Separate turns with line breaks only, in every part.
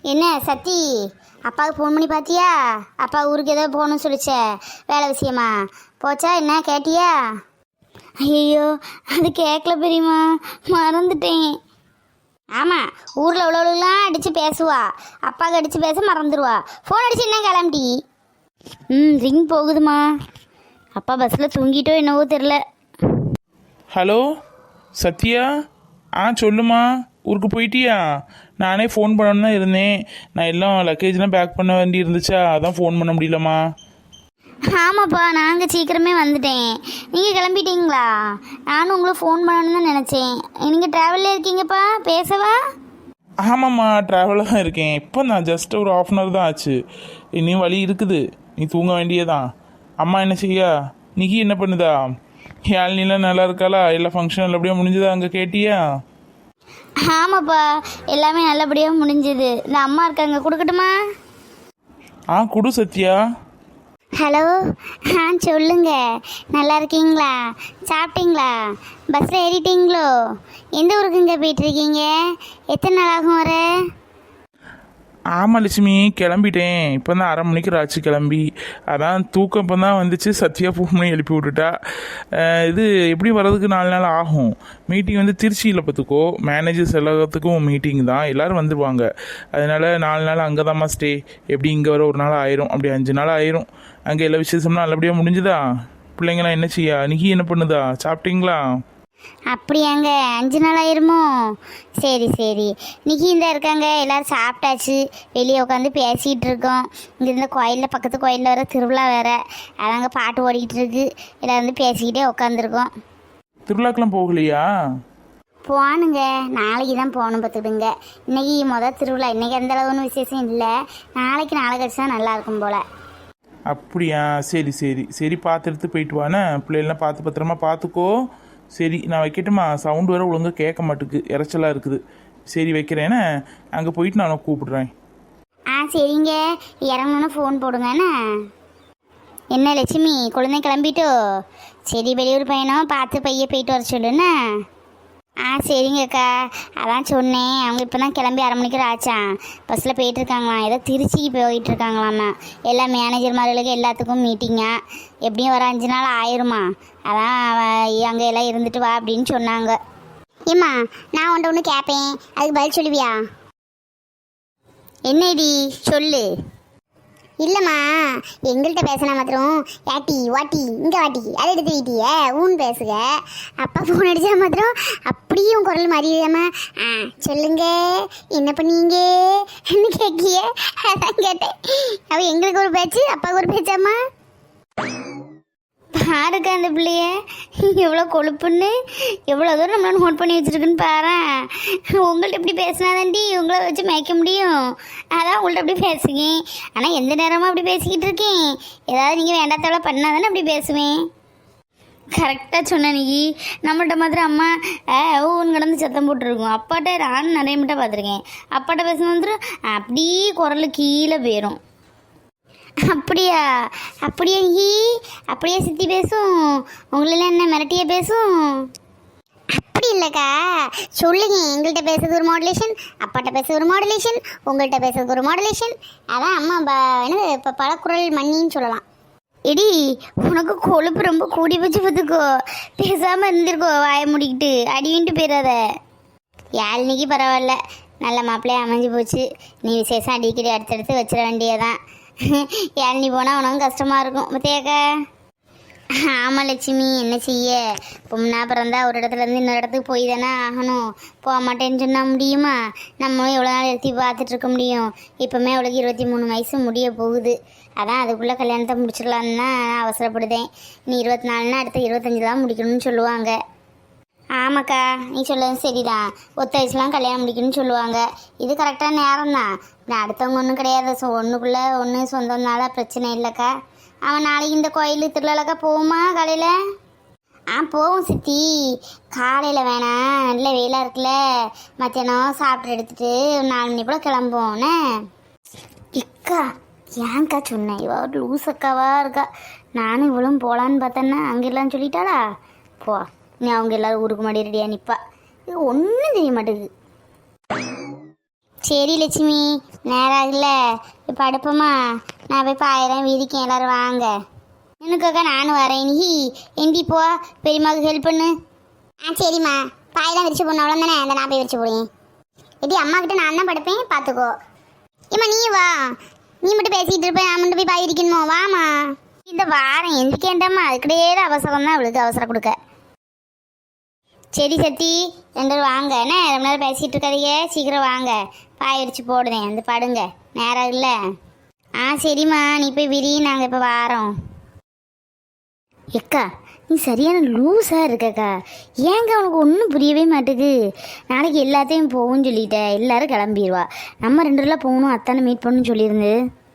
என்ன சத்தி, அப்பாவுக்கு ஃபோன் பண்ணி பார்த்தியா? அப்பா ஊருக்கு ஏதோ போகணும்னு சொல்லிச்சே, வேலை விஷயமா போச்சா? என்ன கேட்டியா? ஐயோ, அது கேட்கல பெரியம்மா, மறந்துட்டேன். ஆமாம், ஊரில் உள்ளவளுலாம் அடித்து பேசுவா, அப்பாவுக்கு அடித்து பேச மறந்துடுவா. ஃபோன் அடிச்சு என்ன கிளம்பிட்டி? ரிங் போகுதுமா. அப்பா பஸ்ஸில் தூங்கிட்டோ என்னவோ தெரில.
ஹலோ சத்யா, சொல்லுமா, ஊருக்கு போயிட்டியா? நானே ஃபோன் பண்ணணுன்னு தான் இருந்தேன். நான் எல்லாம் லக்கேஜ்லாம் பேக் பண்ண வேண்டி இருந்துச்சா, அதான் ஃபோன் பண்ண முடியலம்மா.
ஆமாப்பா, நாங்கள் சீக்கிரமே வந்துட்டேன். நீங்கள் கிளம்பிட்டீங்களா? நானும் உங்களை ஃபோன் பண்ணணுன்னு தான் நினச்சேன். நீங்கள் ட்ராவலில் இருக்கீங்கப்பா, பேசவா?
ஆமாம்மா, ட்ராவலில் தான் இருக்கேன். இப்போ நான் ஜஸ்ட் ஒரு ½ அன் தான் ஆச்சு. இன்னும் வழி இருக்குது, நீ தூங்க வேண்டியதான். அம்மா என்ன செய்யா? நிக்கி என்ன பண்ணுதா? யாழ்னிலாம் நல்லா இருக்காளா? எல்லா ஃபங்க்ஷன் நல்லபடியாக முடிஞ்சதா? அங்கே கேட்டியா?
ஆமாப்பா, எல்லாமே நல்லபடியாக முடிஞ்சுது. இந்த அம்மா இருக்காங்க, கொடுக்கட்டுமா?
குடு சத்யா.
ஹலோ, சொல்லுங்க. நல்லா இருக்கீங்களா? சாப்பிட்டீங்களா? பஸ்ஸில் ஏறிட்டீங்களோ? எந்த ஊருக்குங்க போயிட்டுருக்கீங்க? எத்தனை நாள் ஆகும் வர?
ஆமாம் லட்சுமி, கிளம்பிட்டேன். இப்போ தான் 1/2 மணிக்கு ஆச்சு கிளம்பி. அதான் தூக்கம் இப்போ தான் வந்துச்சு. சத்யா ஃபோன் பண்ணி எழுப்பி விட்டுட்டா. இது எப்படி வர்றதுக்கு 4 நாள் ஆகும். மீட்டிங் வந்து திருச்சியில் பார்த்துக்கோ, மேனேஜர்ஸ் எல்லாத்துக்கும் மீட்டிங் தான், எல்லோரும் வந்துடுவாங்க. அதனால் 4 நாள் அங்கே தான்மா ஸ்டே. எப்படி இங்கே வர 1 நாள் ஆயிரும், அப்படி 5 நாள் ஆயிரும். அங்கே எல்லா விசேஷம்லாம் நல்லபடியாக முடிஞ்சுதா? பிள்ளைங்களாம் என்ன செய்யா? நிக்கி என்ன பண்ணுதா? சாப்பிட்டீங்களா?
அப்படியாங்க, 5 நாள் ஆயிருமோ? சரி சரி. நிக்கி இந்த இருக்காங்க, எல்லோரும் சாப்பிட்டாச்சு. வெளியே உட்காந்து பேசிகிட்டு இருக்கோம். இங்கே இருந்த கோயிலில், பக்கத்து கோயிலில் வர திருவிழா வேறு, அதாங்க பாட்டு ஓடிக்கிட்டு இருக்கு. எல்லோரும் வந்து பேசிக்கிட்டே உட்காந்துருக்கோம்.
திருவிழாக்கெல்லாம் போகலையா?
போகணுங்க, நாளைக்கு தான் போகணும் பார்த்துக்கிடுங்க. இன்றைக்கி திருவிழா. இன்றைக்கி எந்த அளவுன்னு விசேஷம் இல்லை. நாளைக்கு நாளை கழிச்சு தான் நல்லாயிருக்கும் போல்.
அப்படியா? சரி சரி சரி, பார்த்துட்டு போயிட்டு வானே. பிள்ளைகள்லாம் பார்த்து பத்திரமா பார்த்துக்கோ. சரி, நான் வைக்கட்டுமா? சவுண்டு வேறு ஒழுங்காக கேட்க மாட்டுக்கு, இறைச்சலாக இருக்குது. சரி வைக்கிறேன்னு, அங்கே போயிட்டு நான் கூப்பிடுறேன்.
சரிங்க, இறங்கணுன்னு ஃபோன் போடுங்கண்ணே. என்ன லட்சுமி, குழந்தை கிளம்பிட்டோ? சரி, வெளியூர் பையனும் பார்த்து பைய போயிட்டு வர சொல்லுண்ணே. சரிங்கக்கா, அதான் சொன்னேன். அவங்க இப்போ தான் கிளம்பி 1/2 மணிக்கு ஆச்சான். பஸ்ஸில் போயிட்டுருக்காங்களாம், ஏதோ திருச்சிக்கு போயிட்டுருக்காங்களாம்மா. எல்லா மேனேஜர் மாதிரிகளுக்கு எல்லாத்துக்கும் மீட்டிங்கா. எப்படியும் வர 5 நாள் ஆயிருமா. அதான் அங்கே எல்லாம் இருந்துட்டு வா அப்படின்னு சொன்னாங்க. ஏம்மா, நான் ஒன்று கேட்பேன், அதுக்கு பதில் சொல்லுவியா? என்னடி சொல்லு. இல்லைம்மா, எங்கள்கிட்ட பேசினா மாத்திரம் ஏட்டி வாட்டி இங்கே வாட்டி அதை எடுத்து வீட்டிய ஊன் பேசுக. அப்பா ஃபோன் அடித்தா மாத்திரம் அப்படியும் குரல் மாறிடுதாம்மா. சொல்லுங்க, என்ன பண்ணீங்க என்ன கேட்கிய? அதான் கேட்டேன். அவள் எங்களுக்கு ஒரு பேச்சு, அப்பாவுக்கு ஒரு பேச்சாம்மா. பாருக்கா அந்த பிள்ளைய எவ்வளோ கொழுப்புன்னு, எவ்வளோ தூரம் நம்மளால நோட் பண்ணி வச்சுருக்குன்னு பாரு. உங்கள்கிட்ட இப்படி பேசினாதாண்டி உங்களை வச்சு மேய்க்க முடியும். அதான் உங்கள்கிட்ட அப்படி பேசுங்க. ஆனால் எந்த நேரமும் அப்படி பேசிக்கிட்டு இருக்கேன். ஏதாவது நீங்கள் வேண்டாத்தவளை பண்ணாதானே அப்படி பேசுவேன். கரெக்டாக சொன்ன நீ. நம்மள்கிட்ட மாதிரி அம்மா ஊன்னு கிடந்து சத்தம் போட்டுருக்கோம். அப்பாட்ட நானும் நிறைய மட்டும் பார்த்துருக்கேன். அப்பாட்ட பேசுன வந்துடும் அப்படியே குரல் கீழே போயிடும். அப்படியா? அப்படியே நீ அப்படியே சித்தி பேசும்? உங்களெல்லாம் என்ன மிரட்டிய பேசும்? அப்படி இல்லைக்கா, சொல்லுங்க. எங்கள்கிட்ட பேசுறது ஒரு மாடுலேஷன், அப்பாட்ட பேசுறது ஒரு மாடுலேஷன், உங்கள்கிட்ட பேசுறது ஒரு மாடுலேஷன். அதான் அம்மா என்னது இப்போ பழக்குரல் மண்ணின்னு சொல்லலாம். எடி, உனக்கு கொழுப்பு ரொம்ப கூடி வச்சு பார்த்துக்கோ. பேசாமல் இருந்திருக்கோ, வாய முடிக்கிட்டு அடிவின்ட்டு போயிடாத. யாழ்னிக்கு பரவாயில்ல, நல்ல மாப்பிள்ளையே அமைஞ்சு போச்சு. நீ விசேஷம் அடிக்கடி அடுத்தடுத்து வச்சிட வேண்டியதான். யாழ்னி போனால் உனக்கும் கஷ்டமாக இருக்கும் பத்தியாக்கா. ஆமாம் லட்சுமி, என்ன செய்ய? பொண்ணா பிறந்தா ஒரு இடத்துலேருந்து இன்னொரு இடத்துக்கு போய் தானே ஆகணும். போக மாட்டேன்னு சொன்னால் முடியுமா? நம்மளும் எவ்வளோ நாள் எடுத்து பார்த்துட்ருக்க முடியும்? இப்போமே அவளுக்கு 23 வயசு முடிய போகுது. அதான் அதுக்குள்ளே கல்யாணத்தை முடிச்சிடலான்னு தான் அவசரப்படுதேன். நீ 24னா அடுத்த 25 தான் முடிக்கணும்னு சொல்லுவாங்க. ஆமாக்கா, நீ சொல்லது சரிதான். ஒத்த வயசுலாம் கல்யாணம் முடிக்கணும்னு சொல்லுவாங்க. இது கரெக்டான நேரம் தான். நான் அடுத்தவங்க ஒன்றும் கிடையாது. ஒன்றுக்குள்ளே ஒன்று சொந்தம்னால பிரச்சனை இல்லைக்கா. அவன் நாளைக்கு இந்த கோயில் திருவிழாக்கா போகுமா காலையில்? போவோம் சித்தி. காலையில் வேணாம், நல்ல வெயிலாக இருக்குல்ல. மத்தியானம் சாப்பிட்டு எடுத்துகிட்டு 4 மணி போல் கிளம்புவோன்னே. இக்கா, ஏன்க்கா சொன்னேன்? இவ லூஸ் அக்காவா இருக்கா. நானும் இவ்வளோ போகலான்னு பார்த்தேன்னா அங்கே இல்லைன்னு சொல்லிட்டாளா. போ, நீ அவங்க எல்லோரும் ஊருக்கு முன்னாடி ரெடியாக நிற்பா. இது ஒன்றும் தெரிய மாட்டேங்குது. சரி லட்சுமி, நேரம் ஆகல இப்போ அடுப்போமா. நான் போய் பாயிரம் விரிக்கேன், எல்லாரும் வாங்க. எனக்காக்கா நானும் வரேன். நீ எந்தி போ, பெரியம்மாவுக்கு ஹெல்ப் பண்ணு. சரிம்மா, பாயெல்லாம் விரிச்சு போடணும் அவ்வளோதானே. அந்த நான் போய் விரிச்சு போடுவேன். எப்படி அம்மா கிட்ட நான் தான் படுப்பேன், பார்த்துக்கோ. ஏம்மா நீ வா, நீ மட்டும் பேசிக்கிட்டு இருப்பேன், நான் மட்டும் போய் பாய் விரிக்கணுமோ. வாமா. இந்த வாரம் எந்திரிக்கேன்டாம்மா, அதுக்கிட்டே அவசரம் தான் அவளுக்கு, அவசரம் கொடுக்க. சரி சத்தி, 2 பேரும் வாங்க. என்ன ரொம்ப நேரம் பேசிகிட்டு இருக்காதீங்க, சீக்கிரம் வாங்க. பாய் விரிச்சு போடுதேன், வந்து படுங்க. நேரம் இல்லை. சரிம்மா, நீ போய் விரி, நாங்கள் இப்போ வாரோம். எக்கா நீ சரியான லூஸாக இருக்கக்கா. ஏங்க உனக்கு ஒன்றும் புரியவே மாட்டேங்குது. நாளைக்கு எல்லாத்தையும் போகும்னு சொல்லிட்டேன், எல்லாரும் கிளம்பிடுவா. நம்ம 2 பேர்லாம் போகணும், அத்தானை மீட் பண்ணணும்னு சொல்லியிருந்து.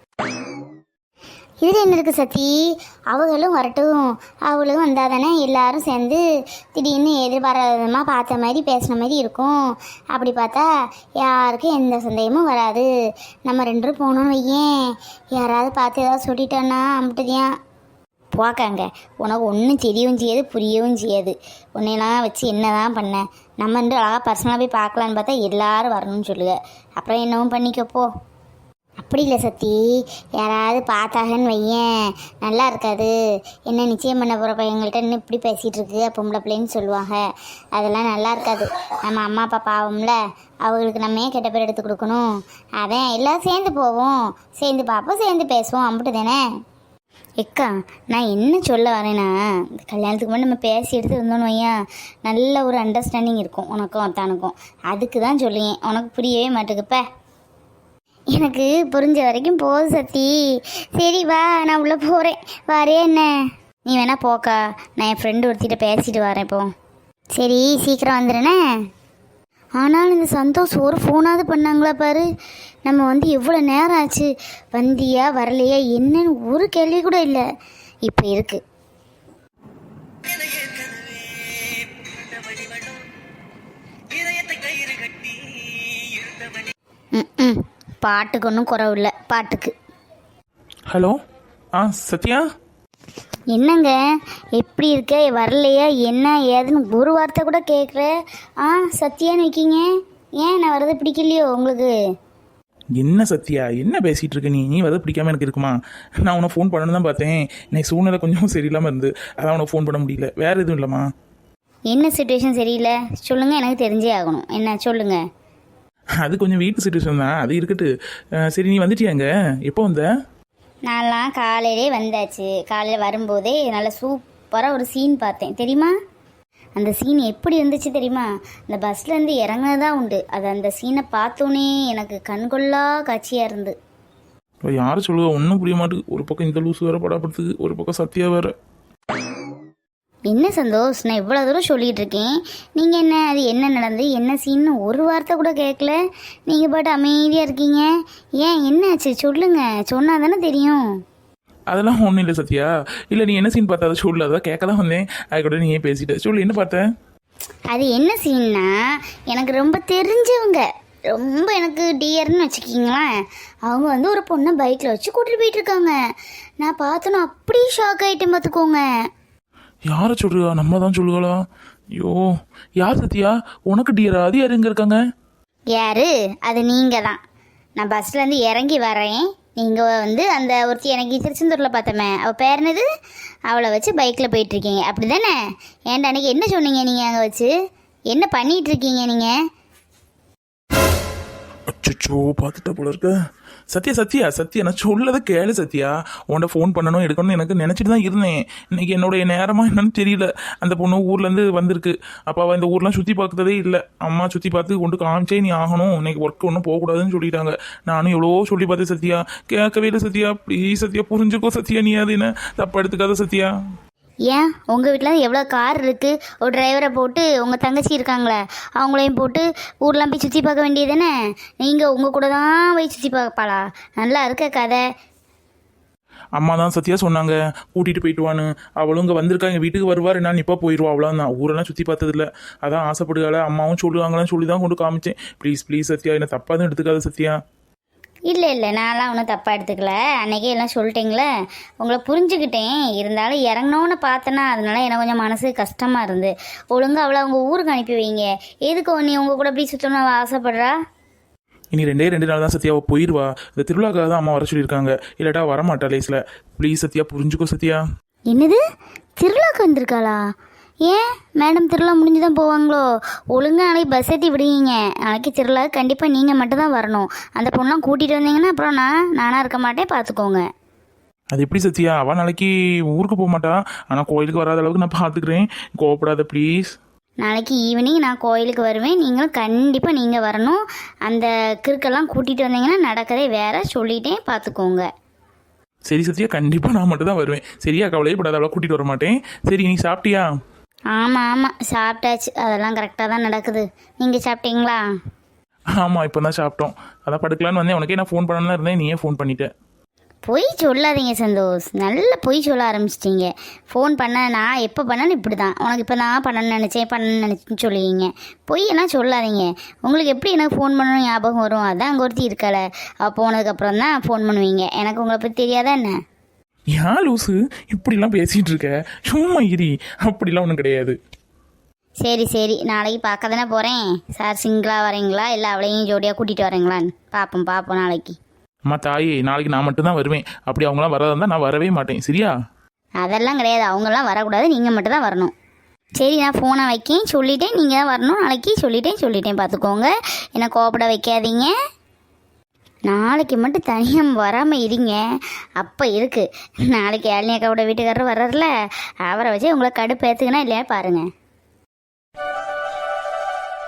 இதில் என்ன இருக்குது சத்தி, அவங்களும் வரட்டும். அவளும் வந்தால் தானே எல்லாரும் சேர்ந்து திடீர்னு எதிர்பாராதமாக பார்த்த மாதிரி பேசின மாதிரி இருக்கும். அப்படி பார்த்தா யாருக்கும் எந்த சந்தேகமும் வராது. நம்ம 2 பேரும் போகணும்னு வையேன், யாராவது பார்த்து ஏதாவது சொல்லிட்டோன்னா அம்பிட்டுதியான் போக்காங்க. உனக்கு ஒன்றும் தெரியவும் செய்யாது, புரியவும் செய்யாது. உன்னையெல்லாம் வச்சு என்ன தான் பண்ண. நம்ம வந்து அழகாக பர்சனலாக போய் பார்க்கலான்னு பார்த்தா எல்லாரும் வரணும்னு சொல்லுங்க. அப்புறம் என்னவும் பண்ணிக்கப்போ. அப்படி இல்லை சத்தி, யாராவது பார்த்தாங்கன்னு வையேன் நல்லா இருக்காது. என்ன நிச்சயம் பண்ண போகிற பையங்கள்ட்ட இன்னும் இப்படி பேசிகிட்டு இருக்கு பொம்பளை பிள்ளைன்னு சொல்லுவாங்க. அதெல்லாம் நல்லா இருக்காது. நம்ம அம்மா அப்பா பாவம்ல, அவங்களுக்கு நம்ம ஏன் கெட்ட பேர் எடுத்து கொடுக்கணும். அதான் எல்லோரும் சேர்ந்து போவோம், சேர்ந்து பார்ப்போம், சேர்ந்து பேசுவோம், அம்பிட்டு தானே. எக்கா நான் என்ன சொல்ல வரேன்னா, இந்த கல்யாணத்துக்கு முன்னாடி நம்ம பேசி எடுத்து இருந்தோன்னு வையா, நல்ல ஒரு அண்டர்ஸ்டாண்டிங் இருக்கும் உனக்கும் அத்தானுக்கும். அதுக்கு தான் சொல்லுவேன், உனக்கு புரியவே மாட்டேங்குப்ப. எனக்கு புரிஞ்ச வரைக்கும் போதும் சத்தி. சரி வா, நான் உள்ளே போகிறேன். வரையே என்ன, நீ வேணா போக்கா. நான் என் ஃப்ரெண்டு ஒருத்திட்ட பேசிட்டு வரேன் இப்போ. சரி சீக்கிரம் வந்துடுனே. ஆனாலும் இந்த சந்தோஷ் ஒரு ஃபோனாவது பண்ணாங்களா பாரு. நம்ம வந்து எவ்வளோ நேரம் ஆச்சு, வந்தியா வரலையா என்னன்னு ஒரு கேள்வி கூட இல்லை. இப்போ இருக்கு. பாட்டுக்கு ஒன்றும் குறவு இல்லை, பாட்டுக்கு.
ஹலோ சத்யா,
என்னங்க எப்படி இருக்க, வரலையா என்ன ஏதுன்னு ஒரு வார்த்தை கூட கேட்குற. சத்தியான்னு வைக்கிங்க. ஏன் நான் வரது பிடிக்கலையோ உங்களுக்கு?
என்ன சத்யா என்ன பேசிகிட்டு இருக்க நீ வரது பிடிக்காம எனக்கு இருக்குமா? நான் உனக்கு ஃபோன் பண்ணணும் தான் பார்த்தேன். இன்னைக்கு சூழ்நிலை கொஞ்சம் சரியில்லாமல் இருந்து, அதான் உனக்கு ஃபோன் பண்ண முடியல. வேறு எதுவும் இல்லைம்மா.
என்ன சுச்சுவேஷன் சரியில்லை சொல்லுங்கள், எனக்கு தெரிஞ்சே ஆகணும். என்ன சொல்லுங்கள்.
அது கொஞ்சம் வீட்டு சுச்சுவேஷன் தான், அது இருக்கட்டு. சரி நீ வந்துட்டியாங்க, எப்போ வந்த?
நான்லாம் காலையிலே வந்தாச்சு. காலையில் வரும்போதே நல்லா சூப்பராக ஒரு சீன் பார்த்தேன் தெரியுமா. அந்த சீன் எப்படி இருந்துச்சு தெரியுமா? இந்த பஸ்லேருந்து இறங்கினதான் உண்டு. அது அந்த சீனை பார்த்தோன்னே எனக்கு கண்கொள்ளா காட்சியாக இருந்து.
யாரும் சொல்லுவா, ஒன்றும் புரிய மாட்டேங்குது. ஒரு பக்கம் இந்த லூஸ் வேறு படப்படுத்துக்கு, ஒரு பக்கம் சத்யா வேறு.
என்ன சந்தோஷ், நான் இவ்வளோ தூரம் சொல்லிகிட்டு இருக்கேன், நீங்கள் என்ன அது என்ன நடந்து என்ன சீன்னு ஒரு வார்த்தை கூட கேட்கல. நீங்கள் பாட்டு அமைதியாக இருக்கீங்க. ஏன் என்னாச்சு சொல்லுங்கள், சொன்னால் தானே தெரியும்.
அதெல்லாம் ஒன்றும் இல்லை சத்யா. இல்லை நீ என்ன சீன் பார்த்த அதை சொல்லு, அதான் கேட்க தான் வந்தேன். அதுக்கூட நீ ஏன் பேசிட்ட, சொல்லு என்ன பார்த்த?
அது என்ன சீன்னா, எனக்கு ரொம்ப தெரிஞ்சவங்க, ரொம்ப எனக்கு டியர்னு வச்சுக்கிங்களேன். அவங்க வந்து ஒரு பொண்ணை பைக்கில் வச்சு கூட்டிகிட்டு போயிட்டுருக்காங்க. நான் பார்த்தோன்னா அப்படியே ஷாக் ஆகிட்டேன் பார்த்துக்கோங்க.
யாரை சொல்றியா? நம்ம தான் சொல்லுங்களா? ஐயோ யார் சத்யா? உனக்கு டியரா? அது யார் எங்கே இருக்காங்க?
யாரு? அது நீங்கள் தான். நான் பஸ்லேருந்து இறங்கி வரேன், நீங்கள் வந்து அந்த ஒருத்தி எனக்கு திருச்செந்தூரில் பார்த்தோமே, அவள் பேர் என்னது, அவளை வச்சு பைக்கில் போயிட்டுருக்கீங்க அப்படி தானே? ஏன்டா அன்றைக்கி என்ன சொன்னீங்க நீங்கள் அங்கே வச்சு? என்ன பண்ணிகிட்டு இருக்கீங்க நீங்கள்?
அச்சோ பார்த்துட்டா போல இருக்க. சத்யா சத்யா சத்யா நான் சொல்லதை கேளு சத்யா. உன்ட ஃபோன் பண்ணணும் எடுக்கணும்னு எனக்கு நினச்சிட்டு தான் இருந்தேன். இன்னைக்கு என்னுடைய நேரமா என்னன்னு தெரியல. அந்த பொண்ணு ஊர்லேருந்து வந்திருக்கு. அப்போ அவள் இந்த ஊர்லாம் சுற்றி பார்த்ததே இல்லை. அம்மா சுற்றி பார்த்து கொண்டு காமிச்சே நீ ஆகணும், இன்னைக்கு ஒர்க் ஒன்றும் போகக்கூடாதுன்னு சொல்லிட்டாங்க. நானும் எவ்வளோ சொல்லி பார்த்தேன் சத்யா, கேட்கவே இல்லை சத்யா. ப்ளீஸ் சத்யா புரிஞ்சுக்கோ சத்யா, நீ அது என்ன தப்பா எடுத்துக்காத சத்யா.
ஏன் உங்கள் வீட்டில் எவ்வளோ கார் இருக்குது, ஒரு டிரைவரை போட்டு உங்கள் தங்கச்சி இருக்காங்களே அவங்களையும் போட்டு ஊர்லாம் போய் சுற்றி பார்க்க வேண்டியது தானே? நீங்கள் உங்கள் கூட தான் போய் சுற்றி பார்ப்பாளா? நல்லா இருக்க கதை.
அம்மா தான் சத்யா சொன்னாங்க கூட்டிகிட்டு போயிட்டு வான்னு. அவளும் இங்கே வந்திருக்கா, எங்கள் வீட்டுக்கு வருவார், நான் இப்போ போயிடுவா. அவ்வளோதான், ஊரெல்லாம் சுற்றி பார்த்ததில்ல, அதான் ஆசைப்படுகால அம்மாவும் சொல்லுவாங்களான்னு சொல்லி தான் கொண்டு காமிச்சேன். ப்ளீஸ் ப்ளீஸ் சத்யா, என்ன தப்பாக தான் எடுத்துக்காத சத்யா.
இல்லை நான்லாம் ஒன்றும் தப்பாக எடுத்துக்கல. அன்றைக்கே எல்லாம் சொல்லிட்டீங்களே, உங்களை புரிஞ்சுக்கிட்டேன். இருந்தாலும் இறங்கினோன்னு பார்த்தேன்னா அதனால எனக்கு கொஞ்சம் மனசு கஷ்டமாக இருந்து. ஒழுங்காக அவளை அவங்க ஊருக்கு அனுப்பி வைங்க. எதுக்கு நீ உங்கள் கூட அப்படி சுற்றணும் ஆசைப்படுறா?
இனி 2 நாள் தான் சத்யா அவள் போயிடுவா. இந்த திருவிழாக்காக தான் அம்மா வர சொல்லியிருக்காங்க. இல்லாட்டா வரமாட்டா லேஸில். ப்ளீஸ் சத்யா புரிஞ்சுக்கோ சத்யா.
என்னது, திருவிழாக்கு வந்திருக்காளா? ஏன் மேடம் திருவிழா முடிஞ்சு தான் போவாங்களோ? ஒழுங்காக நாளைக்கு பஸ் ஏற்றி விடுவீங்க. நாளைக்கு திருவிழா கண்டிப்பாக நீங்கள் மட்டும் தான் வரணும். அந்த பொண்ணெலாம் கூட்டிகிட்டு வந்தீங்கன்னா அப்புறம் நானாக இருக்க மாட்டேன், பார்த்துக்கோங்க.
அது எப்படி சத்யா, அவள் நாளைக்கு ஊருக்கு போக மாட்டா. ஆனால் கோயிலுக்கு வராத அளவுக்கு நான் பார்த்துக்கிறேன். கோவப்படாத ப்ளீஸ்.
நாளைக்கு ஈவினிங் நான் கோயிலுக்கு வருவேன். நீங்களும் கண்டிப்பாக நீங்கள் வரணும். அந்த கிறுக்கெல்லாம் கூட்டிகிட்டு வந்தீங்கன்னா நடக்கதே வேற, சொல்லிட்டேன், பார்த்துக்கோங்க.
சரி சத்யா, கண்டிப்பாக நான் மட்டும் தான் வருவேன். சரியா, கவலையே படாத, அவளை கூட்டிகிட்டு வர மாட்டேன். சரி, நீ சாப்பிட்டியா?
ஆமாம் சாப்பிட்டாச்சு. அதெல்லாம் கரெக்டாக தான் நடக்குது. நீங்கள் சாப்பிட்டீங்களா?
ஆமாம், இப்போ தான் சாப்பிட்டோம். அதான் படுக்கலான்னு வந்தேன். உனக்கே நான் ஃபோன் பண்ணலாம் இருந்தேன், நீயே ஃபோன் பண்ணிட்டேன்.
பொய் சொல்லாதீங்க சந்தோஷ், நல்ல பொய் சொல்ல ஆரம்பிச்சிட்டிங்க. ஃபோன் பண்ண நான் எப்போ பண்ணாலும் இப்படி தான். உனக்கு இப்போ நான் பண்ணணும்னு நினச்சேன்னு சொல்லுவீங்க. பொய்யெல்லாம் சொல்லாதீங்க. உங்களுக்கு எப்படி எனக்கு ஃபோன் பண்ணணும் ஞாபகம் வரும்? அதான் அங்கே ஒருத்தி இருக்கலை, போனதுக்கப்புறம் தான் ஃபோன் பண்ணுவீங்க. எனக்கு உங்களை பற்றி தெரியாதா என்ன?
ஏன் லூசு இப்படிலாம் பேசிகிட்டு இருக்க? சும்மா இரி, அப்படிலாம் ஒன்றும் கிடையாது.
சரி நாளைக்கு பார்க்க தானே போகிறேன். சார் சிங்கிளாக வரீங்களா இல்லை அவளையும் ஜோடியாக கூட்டிகிட்டு வரீங்களான்னு பார்ப்போம் நாளைக்கு.
அம்மா தாயே, நாளைக்கு நான் மட்டும் தான் வருவேன். அப்படி அவங்களாம் வரதா இருந்தால் நான் வரவே மாட்டேன். சரியா?
அதெல்லாம் கிடையாது, அவங்களாம் வரக்கூடாது, நீங்கள் மட்டும் தான் வரணும். சரி, நான் ஃபோனை வைக்கேன், சொல்லிட்டேன். நீங்கள் தான் வரணும் நாளைக்கு, சொல்லிட்டேன், பார்த்துக்கோங்க. என்னை கோபப்பட வைக்காதீங்க. நாளைக்கு மட்டும் தனியாக வராமல் இருங்க. அப்போ இருக்குது. நாளைக்கு யாழினி அக்காவோட வீட்டுக்காரர் வர்றாருல, அவரை வச்சு உங்களை கடுப்பு ஏற்றுக்கனா இல்லையா பாருங்கள்.